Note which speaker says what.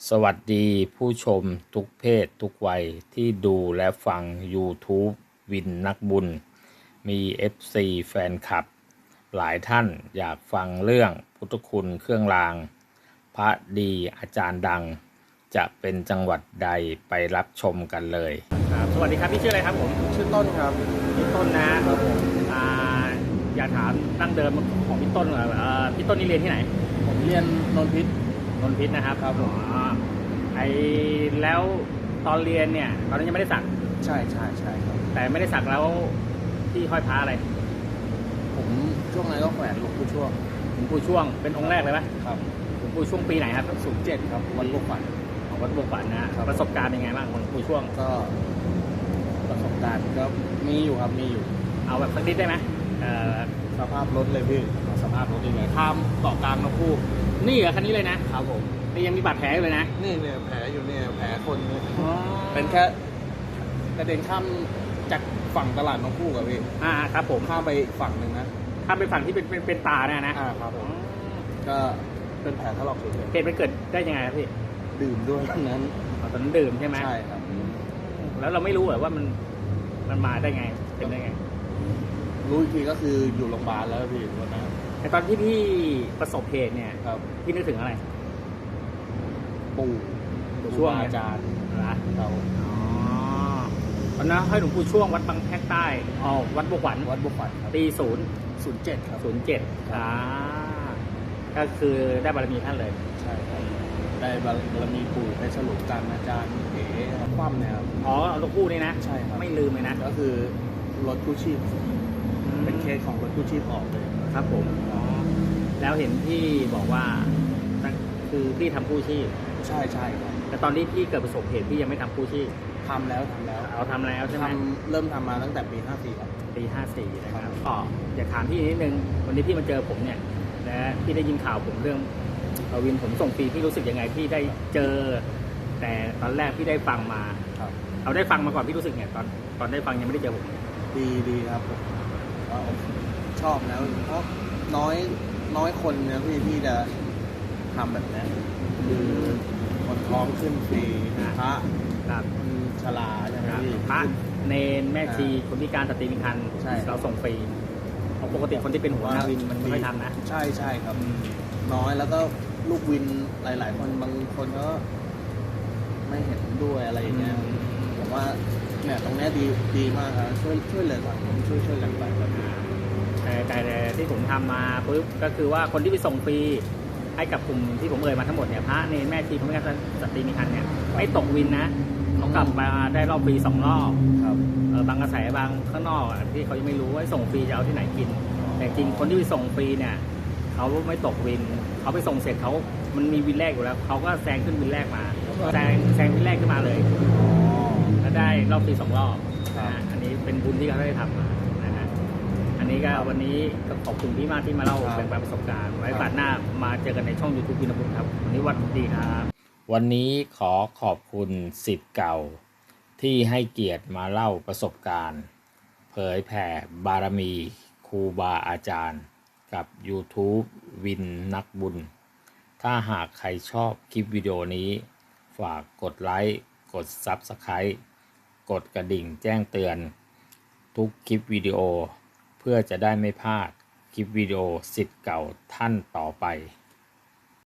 Speaker 1: สวัสดีผู้ชมทุกเพศทุกวัยที่ดูและฟัง YouTube วินนักบุญมี FC แฟนคลับหลายท่านอยากฟังเรื่องพุทธคุณเครื่องรางพระดีอาจารย์ดังจะเป็นจังหวัดใดไปรับชมกันเลยครับสวัสดีครับพี่ชื่ออะไรครับผม
Speaker 2: ชื่อต้นครับ
Speaker 1: พี่ต้นนะครับผมอยากถามตั้งเดิมของพี่ต้นพี่ต้นนี่เรียนที่ไหน
Speaker 2: ผมเรียนนนพิษ
Speaker 1: นะครับ
Speaker 2: ครับผม
Speaker 1: แล้วตอนเรียนเนี่ยตอนนั้นยังไม่ได้สัก
Speaker 2: ใช่ครับ
Speaker 1: แต่ไม่ได้สักแล้วที่ห้อยพระอะไร
Speaker 2: ผมช่วงนั้นก็แขวนหลวงปู่ช่วง
Speaker 1: เป็นองค์แรกเลยไหม
Speaker 2: ครับ
Speaker 1: หลวงปู่ช่วงปีไหนครับ
Speaker 2: 07ครับวัดบวกฝัน
Speaker 1: ของวัดบวกฝันนะประสบการณ์เป็นไงบ้างหลวงปู่ช่วง
Speaker 2: ก็ประสบการณ์ก็มีอยู่ครับมีอยู่
Speaker 1: เอาแบบสักนิดได้ไหม
Speaker 2: สภาพรถเลยพี่สภาพรถยังไงข้ามเกาะกลางนะพู
Speaker 1: นี่เหรอคันนี้เลยนะครับ
Speaker 2: ผม
Speaker 1: นี่ยังมีบาดแผลอยู่เลยนะ
Speaker 2: นี่เนี่ยแผลอยู่เนี่ยแผลคนเนี่ยเป็นแค่กระเด็นข้ามจากฝั่งตลาดน้องคู่กับพี่
Speaker 1: ครับผม
Speaker 2: ข้ามไปฝั่งหนึ่งนะ
Speaker 1: ข้ามไปฝั่งที่เป็นตาเนี่ย
Speaker 2: นะครับผมก็เป็นแผลถลอกเลย
Speaker 1: เหตุมันเกิดได้ยังไงครับพี่
Speaker 2: ดื่มด้วยตอนนั้น
Speaker 1: ดื่มใช่ไหม
Speaker 2: ใช่ครับ
Speaker 1: แล้วเราไม่รู้เหรอว่ามันมาได้ไงเป็นได้ไง
Speaker 2: รู้อีกทีก็คืออยู่โรงพยาบาลแล้วพี่วันนั้น
Speaker 1: แต่ตอนที่พี่ประสบเหตุเนี่ยพี่นึกถึงอะไร
Speaker 2: ปู่
Speaker 1: ช่วง
Speaker 2: อาจารย์
Speaker 1: นะตอนนั้นให้หลวงปู่ช่วงวัดบางแพรกใต้วัดบวกฝันปี
Speaker 2: 07ครับ
Speaker 1: ก็คือได้บารมีท่านเลย
Speaker 2: ใช่ครับได้บารมีปู่ไปสรุปการอาจารย์เอ๋คว่ำเนี่ยครับ
Speaker 1: หลวงปู่นี่นะ
Speaker 2: ใช่ครับ
Speaker 1: ไม่ลืมเลยนะ
Speaker 2: ก็คือรถกู้ชีพเป็นเคสของรถกู้ชีพออกเลย
Speaker 1: ครับผมแล้วเห็นพี่บอกว่าคือพี่ทำกู้ชีพ
Speaker 2: ใช่ครับ
Speaker 1: แต่ตอนที่พี่เกิดประสบเหตุพี่ยังไม่ทำกู้ชีพ
Speaker 2: ทำแล้ว
Speaker 1: ทำแล้วใช่ไหม
Speaker 2: เริ่มทำมาตั้งแต่ปี54ครับ
Speaker 1: ปี54นะครับก็อยากถามพี่นิดนึงวันนี้พี่มาเจอผมเนี่ยและพี่ได้ยินข่าวผมเรื่องวินผมส่งฟรีพี่รู้สึกยังไงพี่ได้เจอแต่ตอนแรกพี่ได้ฟังมาเอาได้ฟังมาก่อนพี่รู้สึกไงตอนได้ฟังยังไม่ได้เจอผม
Speaker 2: ดีครับผมชอบนะเพราะน้อยคนนะพี่จะทำแบบนี้คือคนท้องขึ้นฟรีพระคนชราใช่ไหมพี่
Speaker 1: พระเนนแม่ชีคนพิการสตรีมีครรภ์เราส่งฟรีปกติคนที่เป็นหัวหน้าวินมันไม่ทำนะ
Speaker 2: ใช่ครับน้อยแล้วก็ลูกวินหลายๆคนบางคนก็ไม่เห็นด้วยอะไรอย่างเงี้ยผมว่าเนี่ยตรงนี้ดีมากครับช่วยเหลือสังคมช่วยกันไปแบบนี้
Speaker 1: แต่ที่ผมทำมาปุ๊บก็คือว่าคนที่ไปส่งฟรีให้กับกลุ่มที่ผมเอ่ยมาทั้งหมดเนี่ยพระเนรแม่ชีคนพิการสตรีมีครรภ์เนี่ยไม่ตกวินนะเขากลับมาได้รอบฟรี2 รอบบางกระแสบางข้างนอกที่เขายังไม่รู้ว่าส่งฟรีจะเอาที่ไหนกินแต่จริงคนที่ไปส่งฟรีเนี่ยเขาไม่ตกวินเขาไปส่งเสร็จมันมีวินแรกอยู่แล้วเขาก็แซงขึ้นวินแรกมาแซงวินแรกขึ้นมาเลยแล้วได้รอบฟรี2 รอบอันนี้เป็นบุญที่เขาได้ทำมานะฮะอันนี้ก็วันนี้ก็ขอบคุณพี่มากที่มาเล่าแบ่งปันประสบการณ์ไว้ฝากหน้ามาเจอกันในช่อง YouTube วินบุญครับวันนี้วันดีครับวันนี้ขอขอบคุณศิษย์เก่าที่ให้เกียรติมาเล่าประสบการณ์เผยแผ่บารมีครูบาอาจารย์กับ YouTube วินนักบุญถ้าหากใครชอบคลิปวิดีโอนี้ฝากกดไลค์กด Subscribe กดกระดิ่งแจ้งเตือนทุกคลิปวิดีโอเพื่อจะได้ไม่พลาดคลิปวิดีโอศิษย์เก่าท่านต่อไป